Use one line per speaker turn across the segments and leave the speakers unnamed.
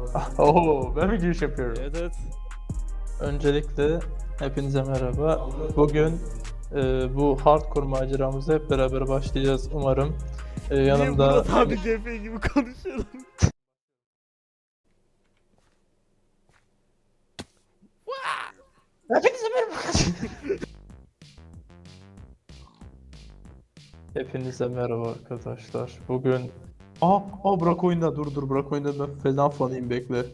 Oo, ben mi giriş yapıyorum?
Evet evet.
Öncelikle hepinize merhaba. Bugün bu hardcore maceramıza hep beraber başlayacağız umarım.
Niye
Yanımda
Murat abi CF gibi konuşuyorsun?
hepinize merhaba. Hepinize merhaba arkadaşlar. Bugün bırak oyunda dur bırak oyunda ben falan fanıyım bekle.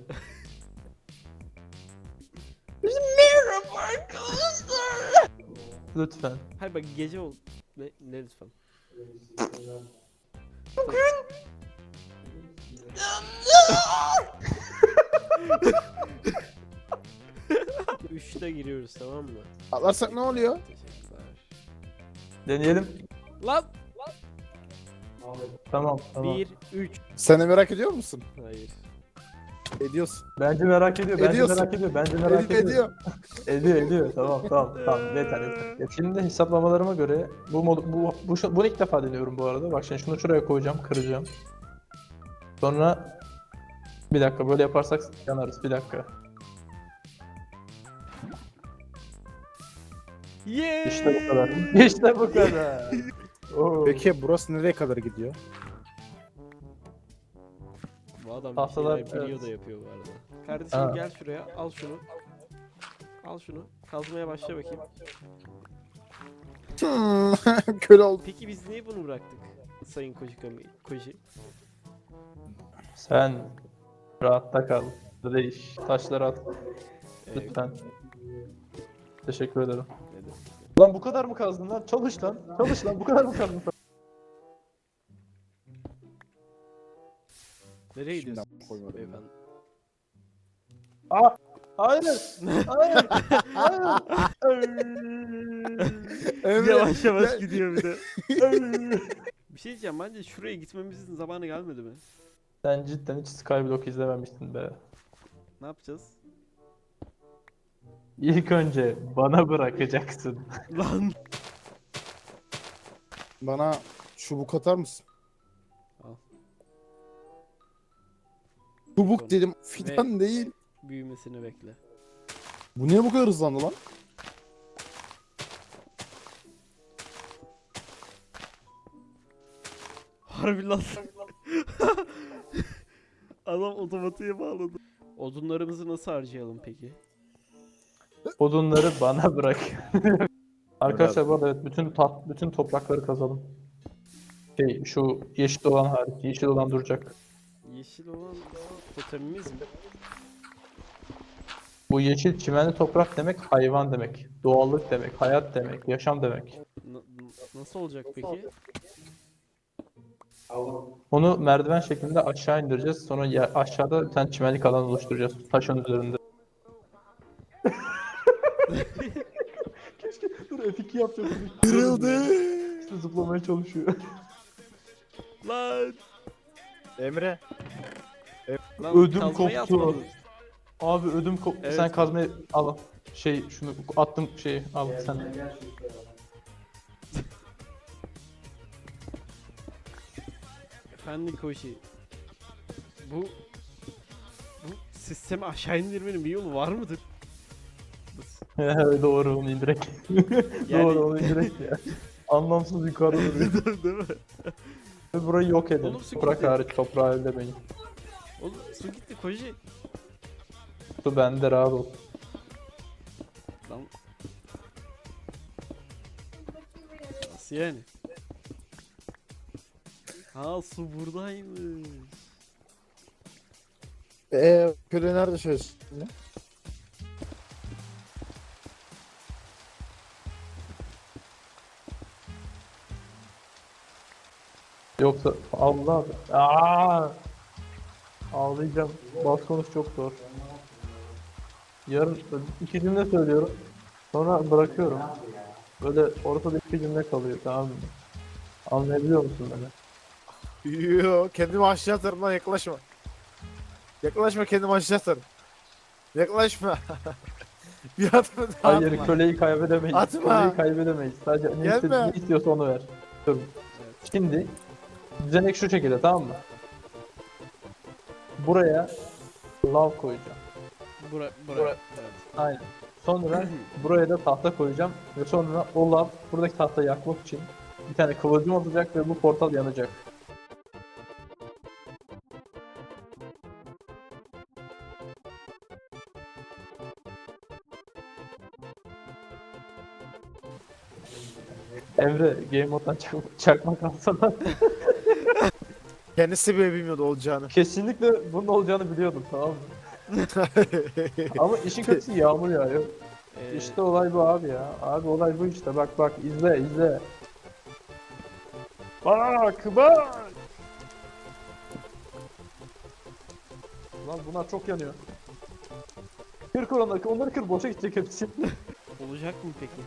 Merhaba arkadaşlar. Lütfen.
Hayır bak gece ol. Ne lütfen. Üçte giriyoruz tamam mı?
Atlarsak ne oluyor?
Teşekkürler.
Deneyelim.
Lan!
Tamam.
1, 3.
Sen de merak ediyor musun?
Hayır.
Ediyorsun.
Bence merak ediyor. Bence
Ediyorsun.
merak ediyor. Bence merak ediyor.
Ediyor.
Ediyor. Tamam. Yeter. Şimdi hesaplamalarıma göre bunu ilk defa deniyorum bu arada. Bak şimdi şunu şuraya koyacağım, kıracağım. Sonra bir dakika böyle yaparsak yanarız. Bir dakika.
Yeah!
İşte bu kadar. İşte bu kadar. Oo.
Peki burası nereye kadar gidiyor?
Bu adam bir
Tahtalar,
şeyler biliyor
evet.
da yapıyor bu arada. Kardeşim
Ha.
gel şuraya al şunu. Al şunu. Kazmaya başla bakayım.
Köle oldu.
Peki biz niye bunu bıraktık? Sayın Koji.
Sen rahatta kal. Değiş. Taşları at lütfen. Teşekkür ederim.
Dedim.
Lan bu kadar mı kazdın lan? Çalış lan. Çalış lan. Bu kadar mı kazdın?
Nereye
Şimdiden
gidiyorsunuz
koymadım.
beyefendi?
Hayır.
Emre,
Yavaş yavaş
ya-
gidiyor bir de. Bir şey diyeceğim bence şuraya gitmemizin zamanı gelmedi mi?
Sen cidden hiç Skyblock izlememiştin be.
Ne yapacağız?
İlk önce bana bırakacaksın.
Lan!
Bana çubuk atar mısın?
Al.
Çubuk dedim, fidan değil.
Büyümesini bekle.
Bu niye bu kadar hızlandı lan?
Harbi lan. Adam otomatiğe bağladı. Odunlarımızı nasıl harcayalım peki?
Odunları bana bırak. Arkadaşlar bu arada evet, bütün toprakları kazalım. Şu yeşil olan hariç, yeşil olan duracak.
Yeşil olan totemimiz mi?
Bu yeşil çimenli toprak demek hayvan demek, doğallık demek, hayat demek, yaşam demek.
Nasıl olacak peki?
Onu merdiven şeklinde aşağı indireceğiz. Sonra aşağıda bir tane çimenlik alan oluşturacağız taşın üzerinde. Keşke dur F2 yapacaktım.
Kırıldı.
İşte zıplamaya çalışıyor.
Lan!
Emre.
Lan
Ödüm
kazmayı
koptu.
atmadın.
Abi ödüm koptu.
Evet.
Sen kazmayı al. Şunu attım al sen.
Efendim Koji. Bu sistemi aşağı indirmenin bir yolu var mıdır?
Doğru onu indirek.
Yani-
Doğru onu indirek ya. Anlamsız yukarıda duruyor.
Değil mi?
Burayı yok edin.
Oğlum su
Toprak
gitti.
hariç toprağı ellemeyin.
Oğlum su gitti Koji.
Su bende rahat ol.
Lan. Nasıl yani? Ha su buradaymış.
Köle nerede şöyle?
Yoksa Allah ağlayacağım. Bas konuş çok zor. Yarın iki cümle söylüyorum. Sonra bırakıyorum. Böyle ortada iki cümle kalıyor tamam mı? Anlayabiliyor musun beni?
Yoo, kendimi aşağı atarım lan, yaklaşma. Yaklaşma, kendimi aşağı atarım. Yaklaşma. Bir adım daha
Hayır
atma.
köleyi kaybedemeyiz.
Atma.
Köleyi kaybedemeyiz. Sadece
Gelme.
ne istiyorsa onu ver. Dur. Şimdi düzenek şu şekilde tamam mı? Buraya lav koyacağım.
Bura. Evet.
Aynen. Sonra buraya da tahta koyacağım ve sonra o lav buradaki tahtayı yakmak için bir tane kıvılcım atacak ve bu portal yanacak. Emre game moddan çakmak alsana.
Kendisi bile bilmiyordu olacağını.
Kesinlikle bunun olacağını biliyordum, tamam mı? Ama işin kötüsü yağmur yağıyor. İşte olay bu abi ya. Abi olay bu işte. Bak bak izle izle. Bak bak. Lan bunlar çok yanıyor. Kır onları kır, boşa gidecek hepsi.
Olacak mı peki?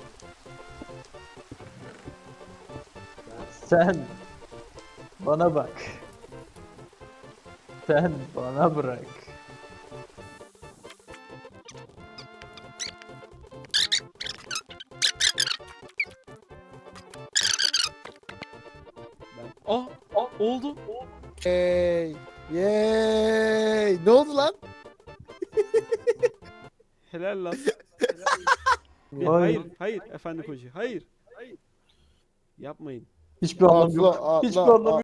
Sen bana bak. Sen bana bırak.
Oldu.
Yey. Yey. Ne oldu lan?
Helal lan.
Vay.
Hayır efendi koca. Hayır. Yapmayın.
Hiçbir anlamı yok.
Atla,
Hiçbir
atla,
anlamı